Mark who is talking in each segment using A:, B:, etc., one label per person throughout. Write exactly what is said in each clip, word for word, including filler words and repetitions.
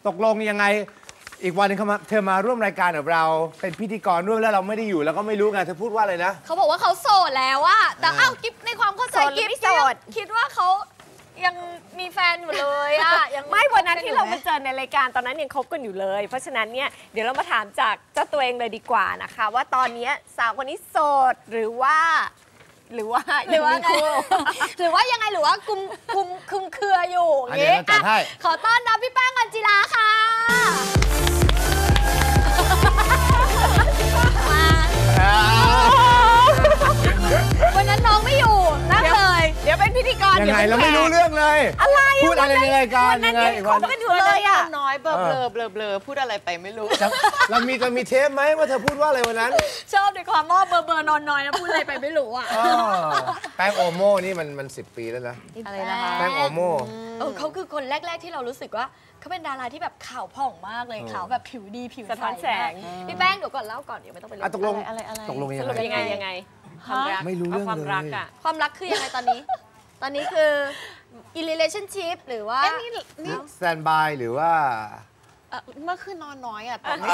A: ตกลงยังไงอีกวันนึงเธอมาร่วมรายการกับเราเป็นพิธีกรร่วมแล้วเราไม่ได้อยู่แล้วก็ไม่รู้ไงเธอพูดว่าอะไรนะ
B: เขาบอกว่าเขาโสดแล้วอะแต่อ้าวกิ๊บในความเข้าใจกิ๊บไม่โสดคิดว่าเขายังมีแฟนอยู่เลยอะยัง
C: ไม่วันนั้นที่เรามาเจอในรายการตอนนั้นยังคบกันอยู่เลยเพราะฉะนั้นเนี่ยเดี๋ยวเรามาถามจากเจ้าตัวเองเลยดีกว่านะคะว่าตอนนี้สาวคนนี้โสดหรือว่าหรือว่า
B: หรือว่าไงหรือว่ายังไงหรือว่ากุมคุมคุมเครืออยู่อย่างงี้ขอต้อนรับพี่แป้งอัญจิราค่ะวันนั้นน้องไม่อยู่นั่งเลย
C: เดี๋ยวเป็นพิธีกร
A: ยังไงเราไม่รู้เรื่องเลย
C: อะไร
A: พูดอะไรในรายการยังไง
C: เขาไม่อยู่เลยอ่ะ
D: น้อยเบลอเบลอเบลอเบลอพูดอะไรไปไม่รู้
A: เรามีเรามีเทปไหมว่าเธอพูดว่าอะไรวันนั้น
B: ชอบในความว่าเบอร์เบอร์นอนน้อยนะพูดอะไรไปไม่รู้อ่ะ
A: แป้งโอโม่นี่มันมันสิบปีแล้วนะ
B: อะไรนะคะ
A: แป้งโอโม่
B: เออเขาคือคนแรกๆที่เรารู้สึกว่าเขาเป็นดาราที่แบบขาวผ่องมากเลยขาวแบบผิวดีผิว
C: สะท้อนแสง
B: พี่แป้งเดี๋ยวก่อนเล่าก่อนเดี๋ยวไม่ต้องไปเล่า
A: ตกลง
D: อะไรอะไร
A: ตกลง
C: ยังไงยังไงความรัก
A: ไม่รู้เรื่อง
C: ความรักอะ
B: ความรักคือยังไงตอนนี้ตอนนี้คือ in relationship หรือว่า
D: นี่นี่
A: standby หรือว่า
D: เมื่อคืนนอนน้อยอ่ะแต่ไม่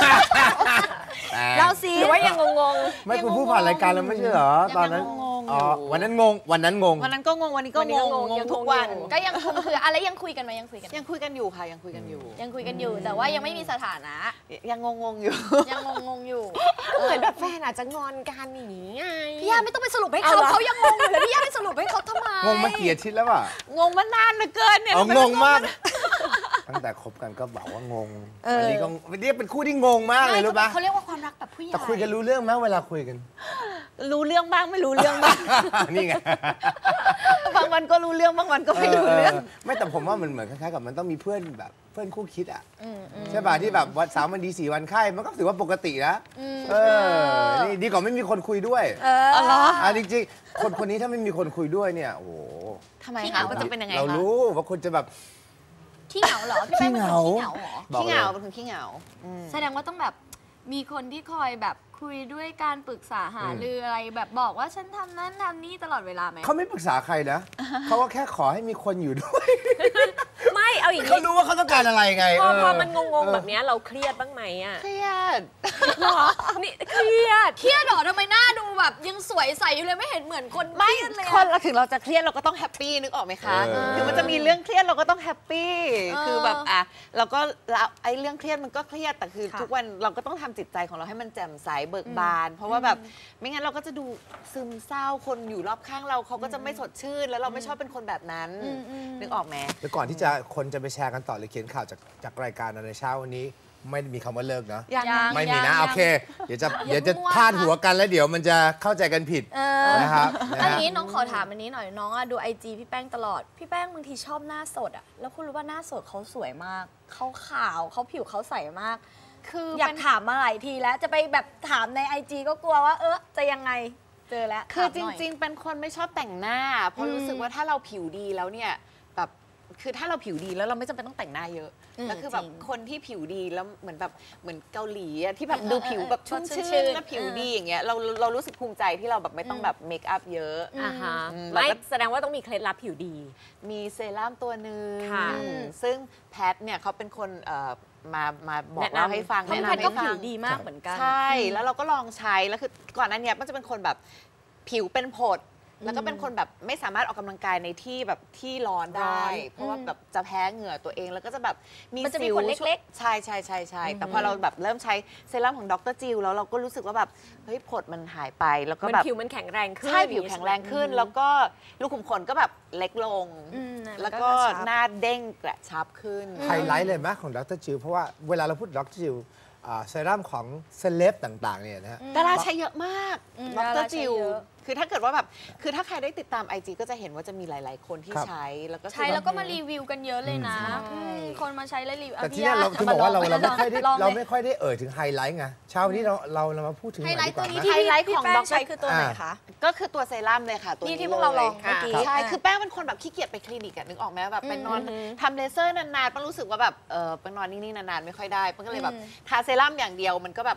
B: เราสิ
C: หรือว่ายังงง
A: ๆไม่คุณพูดผ่านรายการแล้วไม่ใช่เหรอตอนนั้นอ๋อวันนั้นงงวันนั้นงง
D: วันนั้นก็งงวันนี้ก็งงงงทุกวัน
B: ก็ยังคงคืออะไรยังคุยกันไหมยังคุยกัน
D: ยังคุยกันอยู่ค่ะยังคุยกันอยู่
B: ยังคุยกันอยู่แต่ว่ายังไม่มีสถานะ
D: ยังงงงอยู่
B: ยังงงงอยู่
C: เหมือนแบบแฟนอาจจะงอนกันอย่างนี้ไง
B: พี่ย่าไม่ต้องไปสรุปให้เขาเขายังงงอยู่เลยพี่ย่าไปสรุปให้เขาทำไม
A: งงมาเกียรติแล้วอ่ะ
D: งงมานานเหลือเกินเนี่ย
A: งงมากตั้งแต่คบกันก็บอกว่างงอันนี้ก็เรียกเป็นคู่ที่งงมากเลยรู้ปะ
B: เขาเรียกว่าความรักแบบผู้ใหญ่
A: แต่คุยกันรู้เรื่องไหมเวลาคุยกัน
D: รู้เรื่องบ้างไม่รู้เรื่องบ้าง
A: นี่ไง
D: บางวันก็รู้เรื่องบางวันก็ไม่รู้เรื่อง
A: ไม่แต่ผมว่ามันเหมือนคล้ายๆกับมันต้องมีเพื่อนแบบเพื่อนคู่คิดอ่ะใช่ป่ะที่แบบวันสามวันดีสี่วันไข้มันก็ถือว่าปกตินะเออนี่ดีกว่าไม่มีคนคุยด้วย
B: อ๋อเหรอ
A: อ่ะจริงๆคนคนนี้ถ้าไม่มีคนคุยด้วยเนี่ยโอ้โห
D: ทำไมคะมันจะเป็นยังไงคะ
A: เรารู้ว่าคนจะแบบ
B: ขี้เหงาเหรอพี่แป้งเป็นคนขี้เหงาเหรอ
D: ขี้เหงาเป็นคนขี้เหงา
B: แสดงว่าต้องแบบมีคนที่คอยแบบคุยด้วยการปรึกษาหารืออะไรแบบบอกว่าฉันทำนั้นทำนี่ตลอดเวลาไหม
A: เขาไม่ปรึกษาใครนะเขาก็แค่ขอให้มีคนอยู่ด้วย
C: ไม่เอาอย่างนี้
A: เขารู้ว่าเขาต้องการอะไรไง
C: พอพอมันงงๆแบบนี้เราเครียดบ้างไหมอ่ะ
D: เครียด
C: นี่เครียด
B: เครียดหรอทำไมหน้าดูแบบยังสวยใสอยู่เลยไม่เห็นเหมือนคนไม่เลย
D: คนเราถึงเราจะเครียดเราก็ต้องแฮปปี้นึกออกไหมคะถึงมันจะมีเรื่องเครียดเราก็ต้องแฮปปี้คือแบบอ่ะเราก็ไอ้เรื่องเครียดมันก็เครียดแต่คือทุกวันเราก็ต้องทำจิตใจของเราให้มันแจ่มใสเบิกบานเพราะว่าแบบไม่งั้นเราก็จะดูซึมเศร้าคนอยู่รอบข้างเราเขาก็จะไม่สดชื่นแล้วเราไม่ชอบเป็นคนแบบนั้นนึกออกไหม
A: แต่ก่อนที่จะคนจะไปแชร์กันต่อหรือเขียนข่าวจากจากรายการในเช้าวันนี้ไม่มีคำว่าเลิกนะไม่มีนะโอเคเดี๋ยวจะเดี๋ยวจะพลาดหัวกันแล้วเดี๋ยวมันจะเข้าใจกันผิดนะครับ
B: อันนี้น้องขอถามอันนี้หน่อยน้องดูไอจีพี่แป้งตลอดพี่แป้งบางทีชอบหน้าสดอ่ะแล้วคุณรู้ว่าหน้าสดเขาสวยมากเขาขาวเขาผิวเขาใสมากคืออยากถามมาหลายทีแล้วจะไปแบบถามในไอจีก็กลัวว่าเออจะยังไงเจอแล้ว
D: คือจริงๆเป็นคนไม่ชอบแต่งหน้าเพราะรู้สึกว่าถ้าเราผิวดีแล้วเนี่ยแบบคือถ้าเราผิวดีแล้วเราไม่จำเป็นต้องแต่งหน้าเยอะแล้วคือแบบคนที่ผิวดีแล้วเหมือนแบบเหมือนเกาหลีอะที่แบบดูผิวแบบชุ่มชื่นและผิวดีอย่างเงี้ยเราเรารู้สึกภูมิใจที่เราแบบไม่ต้องแบบเมคอัพเยอะ
C: อ่าฮะไม่แสดงว่าต้องมีเคล็ดลับผิวดี
D: มีเซรั่มตัวหนึ่งซึ่งแพทเนี่ยเขาเป็นคนมามาบอกเราให้ฟัง
B: แพทก็ผิวดีมากเหมือนกัน
D: ใช่แล้วเราก็ลองใช้แล้วคือก่อนหน้านี้มันจะเป็นคนแบบผิวเป็นผดแล้วก็เป็นคนแบบไม่สามารถออกกำลังกายในที่แบบที่ร้อนได้เพราะว่าแบบจะแพ้เหงื่อตัวเองแล้วก็จะแบบ
B: มีสิวเล็ก
D: ๆใช่ใช่ใช่ใช่แต่พอเราแบบเริ่มใช้เซรั่มของดร.จิลแล้วเราก็รู้สึกว่าแบบเฮ้ยผดมันหายไปแล้วก็แบบ
C: ผิวมันแข็งแรงขึ้น
D: ใช่ผิวแข็งแรงขึ้นแล้วก็ลูกขุมขนก็แบบเล็กลงแล้วก็หน้าเด้งกระชับขึ้น
A: ไฮไลท์เลยไหมของดร.จิลเพราะว่าเวลาเราพูดดร.จิลเซรั่มของเซเลบต่างๆเนี่ยนะฮะ
D: ดาราใช้เยอะมากดร.จิลคือถ้าเกิดว่าแบบคือถ้าใครได้ติดตาม ไอ จี ก็จะเห็นว่าจะมีหลายๆคนที่ใช้แล้วก็
B: ใช้แล้วก็มารีวิวกันเยอะเลยนะคนมาใช้แล้วรีวิว
A: แต่ที่นี่เราคือบอกว่าเราเราไม่ค่อยได้เราไม่ค่อยได้เอ่ยถึงไฮไลท์ไงเช้านี้เราเราเรามาพูดถึงไฮ
B: ไลท์ตัวนี้
D: ไฮไลท์ของดร.
B: ใช้คือตัวไหนคะ
D: ก็คือตัวเซรั่มเลยค่ะตัวนี้
B: ที่พวกเราลองเมื่อกี้
D: ใช่คือแป้งเป็นคนแบบขี้เกียจไปคลินิกนึกออกไหมแบบไปนอนทำเลเซอร์นานๆแป้งรู้สึกว่าแบบเออไปนอนนิ่งๆนานๆไม่ค่อยได้แป้งก็เลยแบบทาเซรั่มอย่างเดียวมันก็แบบ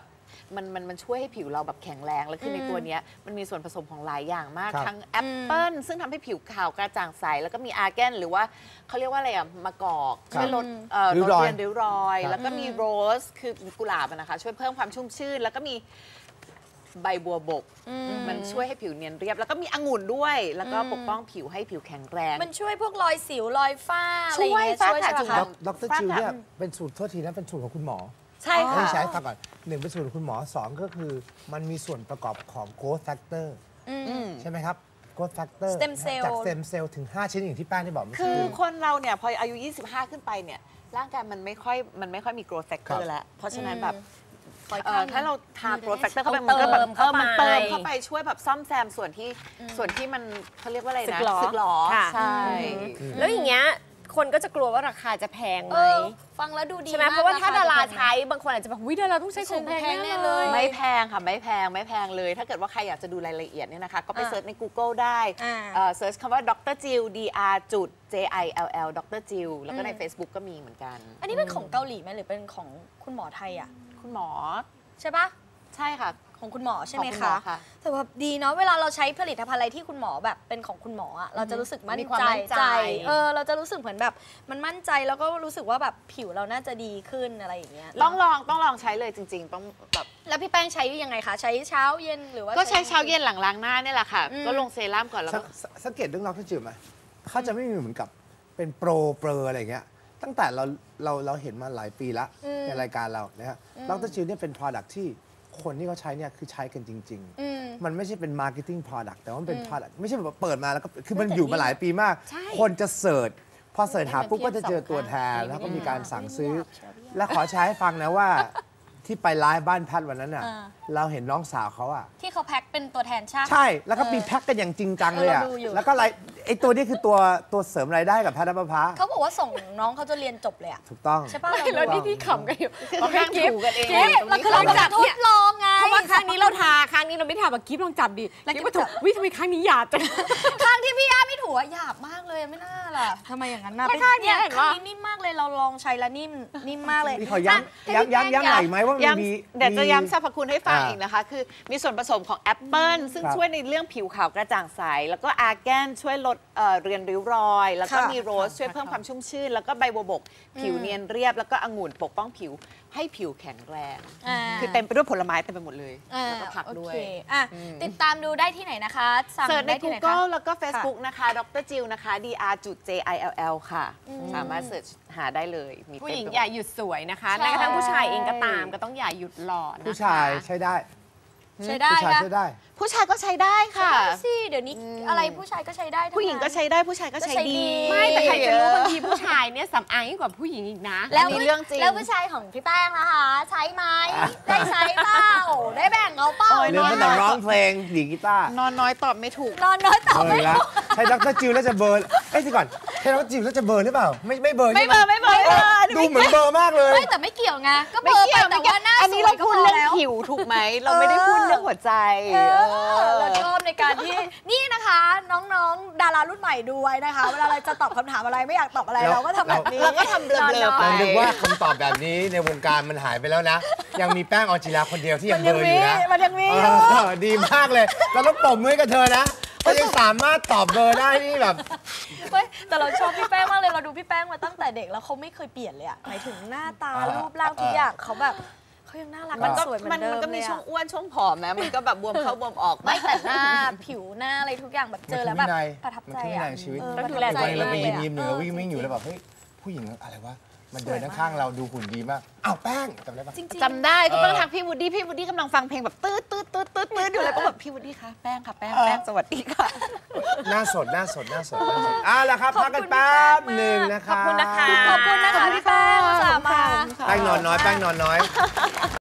D: มันมันมันช่วยให้ผิวเราแบบแข็งแรงแล้วคือในตัวเนี้ยมันมีส่วนผสมของหลายอย่างมาก
A: ครับ
D: ทั้งแอปเปิลซึ่งทำให้ผิวขาวกระจ่างใสแล้วก็มีอาร์แกนหรือว่าเขาเรียกว่าอะไรอะมะกอกช่วยลดเอ่อ
A: ริ้
D: ล
A: ว
D: ด
A: รอย
D: เรียนริ้วรอย
A: ครับ
D: แล้วก็มีโรสคือกุหลาบอะนะคะช่วยเพิ่มความชุ่มชื่นแล้วก็มีใบบัวบก มันช่วยให้ผิวเนียนเรียบ แล้วก็มีองุ่นด้วย แล้วก็ปกป้องผิวให้ผิวแข็งแรง
B: มันช่วยพวกรอยสิวรอยฝ้าอะไรอย่างเงี้ย
D: ช่
B: ช่
D: ว
B: วย ย
D: ฝ้า
B: ใช่ไหม
D: จุด
B: คะ
A: ดรจิวเนี่ยเป็นสูตรโทษทีนะเป็นสูตรของคุณหมอ
D: ใช่ค่ะ
A: ไม่ใช้ฟังก่อนหนึ่งเป็นสูตรของคุณหมอสองก็คือมันมีส่วนประกอบของ growth factor ใช่ไหมครับ growth factor
B: Stem cell
A: จาก stem cell ถึง ห้า ชนิดอย่างที่แป้งได้บอกเมื่อ
D: คื
A: กี้
D: อคนเราเนี่ยพออายุ ยี่สิบห้า ขึ้นไปเนี่ยร่างกายมันไม่ค่อยมันไม่ค่อยมี growth
A: ครั
D: factor
A: บ
D: แล้ว เพราะฉะนั้นแบบ
B: คอย
D: เอ่อถ้าเราทา growth factor เข้าไป
B: เอา
D: มันก็แบบ
B: เติม
D: เออมันเติม
B: เข้าไป
D: เข้าไปช่วยแบบซ่อมแซมส่วนที่ส่วนที่มันเขาเรียกว่าอะไรนะ
C: สึกหรอ
D: สึกหรอ
C: ค่ะ
D: ใช่
C: แล้วอย่างเงี้ยคนก็จะกลัวว่าราคาจะแพงไห
B: เอ
C: ม
B: อฟังแล้วดูดี
C: ใช่ไหม
B: มก
C: เพราะว่าถ้า
B: ค
C: ดารา
B: จะแพงไหม
C: ใช้บางคนอาจจะแบบวิดาราต้องใช้ของแพง
B: แพงแน่
C: แน่
B: เล
C: เลย ย
D: ไม่แพงค่ะ ไม่แพงไม่แพงเลย ถ้าเกิดว่าใครอยากจะดูรายละเอียดเนี่ยนะคะ ก็ไป
B: อ่า
D: เซิร์ชใน Google ได้
B: อ่า
D: เอ่อเซิร์ชคำว่าดรจิล D R จุด J I L L ดรจิลแล้วก็ใน Facebook ก็มีเหมือนกัน
B: อันนี้เป็นของเกาหลีไหมหรือเป็นของคุณหมอไทยอ่ะ
D: คุณหมอ
B: ใช่ปะ
D: ใช่ค่ะ
B: ของคุณหมอใช่ไหม
D: ของคุณหม
B: คะ
D: อค่ะ
B: แต่แบบดีเนาะเวลาเราใช้ผลิตภัณฑ์อะไรที่คุณหมอแบบเป็นของคุณหมออะเราจะรู้สึกมั่น
D: มีความ
B: ใจ
D: มั่นใจ
B: เออเราจะรู้สึกเหมือนแบบมันมั่นใจแล้วก็รู้สึกว่าแบบผิวเราน่าจะดีขึ้นอะไรอย่างเงี้ย
D: ต้องลองต้องลองใช้เลยจริง ๆ ต้องแบบ
B: แล้วพี่แป้งใช้ยังไงคะใช้เช้าเย็นหรือว่า
D: ก็ใช้เช้าเย็นหลังล้างหน้าเนี่ยแหละค่ะ
B: อืม
D: ก็ลงเซรั่มก่อนแล้ว
A: สั
D: ก็
A: งสังสังเกตเรื่องดรจิวไหมเขาจะไม่มีเหมือนกับเป็นโปรเปรอะไรอย่างเงี้ยตั้งแต่เราเราเราเห็นมาหลายปีละในรายการเรานะฮะดรจิวเนี่ยเป็น product ที่คนที่เขาใช้เนี่ยคือใช้กันจริง ๆ
B: อืม
A: มันไม่ใช่เป็น marketing product แต่ว่ามันเป็น product ไม่ใช่แบบเปิดมาแล้วก็คือมันอยู่มาหลายปีมาก คนจะเสิร์ชพอเสิร์ชหาปุ๊บก็จะเจอตัวแทน แล้วก็มีการสั่งซื้อ และขอใช้ให้ฟังนะว่าที่ไปไลฟ์บ้านแพทย์วันนั้นน่ะ
B: อ่า
A: เราเห็นน้องสาวเขาอ่ะ
B: ที่เขาแพ็คเป็นตัวแทนชาติ
A: ใช่แล้วก็มีแพ็คกันอย่างจริงจังเลยอ่ะ
B: เออเราดูอยู่
A: แล้วก็ไรไอตัวนี้คือตัวตัวเสริมรายได้กับแพทย์นภพา
B: เขาบอกว่าส่งน้องเขาจะเรียนจบเลยอะ
A: ถูกต้อง
B: ใช่ป่ะ
C: แล้วนี่ที่ขำกันอยู่
D: คือเขานั่งถูกันเอง
C: กิ๊บ
D: ตรงนี้
B: คือเราจะทดลองไง
C: เพราะว่าครั้งนี้เราทาครั้งนี้เราไม่ทาแบบกิ๊บลองจับดิ
B: แล้ว
C: กิ๊บ
B: กิ๊บ
C: มาถูก
B: จับ
C: วิทำไมครั้งนี้หยาบจัง
B: ข้างที่พี่ย่าไม่ถูอะหยาบมากเลยไม่น่าล่ะทำไมอย่างนั้นนะ
C: แล้วข้างเนี้ยเห็นปะ
B: ข้างนี้นิ่มมากเลยเราลองใช้แล้วนิ่มนิ่มมากเลย
A: นี่ขอย้ำย้ำย้ำย้ำหน่อยไหมว่ามัน
D: ย้
A: มี
D: ำเดี๋ยวจะย้ำสรรพคุณให้ฟัง
A: อ่า
D: อีกนะคะ คือมีส่วนผสมของแอปเปิลซึ่ง
A: ครับ
D: ช่วยในเรื่องผิวขาวกระจ่างใส แล้วก็อาร์แกนช่วยลดเอ่อเรียนริ้วรอย แล้วก็
B: ค่ะ
D: มีโรสช่วยเพิ่มความชุ่มชื่น แล้วก็ใบบัวบก ผิวเนียนเรียบ แล้วก็องุ่นปกป้องผิวให้ผิวแข็งแรง
B: อ่า
D: คือเต็มไปด้วยผลไม้เต็มไปหมดเลย
B: อ่า
D: แล้วก็ผักด้วย
B: โอเคอ่ะติดตามดูได้ที่ไหนนะคะสั่ง
D: เสิร์ชใน
B: ได้ที่ไหนคะ
D: Google แล้วก็ Facebook นะคะดรจิลนะคะ D R จุด J I L L ค่ะ สามารถเสิร์ชหาได้เลยมี
C: ผู้
D: เต็ม
C: หญิง
D: ไปมด
C: อย่าหยุดสวยนะคะ
B: ใช่
C: แม้กระทั่งผู้ชายเองก็ตามก็ต้องอย่าหยุดหล่อนะคะ
A: ผู้ชายใช้ได้
B: ใช้ได้
A: ผู้ชาย
B: นะ
A: ใช้ได้
D: ผู้ชายก็ใช้ได้ค่ะ
B: ใช่สิเดี๋ยวนี้อะไรผู้ชายก็ใช้ได้ทั้
D: ผู้หญิงก็ใช้ได้ผู้ชายก็ใช้
B: ก็ใช้
D: ดี
B: ดี
C: ไม่แต่ใครจะรู้บางทีผู้ชายเนี่ยสำอางยิ่งกว่าผู้หญิงอีกนะ
B: แล้ว
D: อันนี้เรื่องจริง
B: แล้วผู้ชายของพี่แป้งนะคะ ใช้ไหมได้ใช้เปล่าได้แบ่งเขาเปล่า
D: โอ้ย
A: เรื่องตั้งแต่ร้องเพลงดีดกีตาร์
D: นอนน้อยตอบไม่ถูก
B: นอนน้อยต่อ
A: เบอ
B: ไม่
A: ร์แล้วใช้ดรจิวแล้วจะเบอร์เอ้ยสิก่อนใช้ดรจิวแล้วจะเบอร์หรือเปล่า ไม่ไม่เบอร์
D: ไม่
A: ใช่ห
D: เบอร์ไม่เบอร์ไม่เบอร์
A: ดูเหมือนเบอร์มากเลย
B: ไม่แต่ไม่เกี่ยวไงก็เบ
D: ไม่
B: อร์
D: เกี่
B: ไป
D: ยว
B: แต่
D: ไม่เกี่ยว
B: ว่าหน้า
D: อันนี้
B: สว
D: เรา
B: ยก็
D: พูด
B: พอ
D: เรื่อง
B: แล้ว
D: ผิวถูกไหม เราไม่ได้พูดเรื่องหัวใจ
B: เอ
D: เอ
B: อ
D: อ
B: เราชอบในการที่นี่นะคะ น้องๆ ดารารุ่นใหม่ดูไว้นะคะ เวลาเราจะตอบคำถามอะไรไม่อยากตอบอะไร
A: เรา
B: เราก็ทำแบบนี้
D: เราก็ทำเบลอๆ
B: นน
D: ไป
A: ผมนึกว่าคำตอบแบบนี้ในวงการมันหายไปแล้วนะ ยังมีแป้งออนจิราคนเดียวที่ยังเบอร์อยู่นะ
B: มันยังมี
A: เออดีมากเลย เราต้องปรบมือให้กับเธอนะถ้ายังสามารถตอบเบอร์ได้นี่แบบ
B: เฮ้ยแต่เราชอบพี่แป้งมากเลยเราดูพี่แป้งมาตั้งแต่เด็กแล้วเขาไม่เคยเปลี่ยนเลยอะหมายถึงหน้าตา
A: อ่า
B: รูปร่างทุกอย่างเขาแบบเขายังน่ารัก
D: มันก็
B: สวยเหมือ
D: มัน
B: นเดิม
D: มันก็มี
B: เลยอะ
D: ช่วงอ้วนช่วงผอมนะ มันก็แบบบวมเข้าบวมออก
B: ไม่แต่หน้าผิวหน้าอะไรทุกอย่างแบบเจอแล้วแบบประทับใจ
A: มันคือวินั
B: อะ
A: ยชีวิต
B: เออ
C: ต้องดูแล
B: ประทับใจ
A: วันเราไป
B: มาก
A: ยิ้ม
B: เล
A: ยิ้ม
B: อะ
A: หนึ่งเราวิ่งวิ่งอยู่แล้วแบบเฮ้ยผู้หญิงอะไรวะมันเดินข้างๆเราดูหุ่นดีมากอ้าวแป้งจำได้ปะ
B: จริงๆ
D: จำได้ก็ต้องทักพี่วูดดี้พี่วูดดี้กำลังฟังเพลงแบบตืดตืดตืดตืดตืดอยู่เลยก็แบบพี่วูดดี้คะแป้งค่ะแป้งแป้งสวัสดีค่ะ
A: หน้าสดหน้าสดหน้าสดหน้าสดอ่ะแล้วครับพักกันแป๊บหนึ่งนะคะ
C: ขอบคุณนะคะ
B: ขอบคุณนะคะพี่แป้งอุตสาห์มา
A: แป้งนอนน้อยแป้งนอนน้อย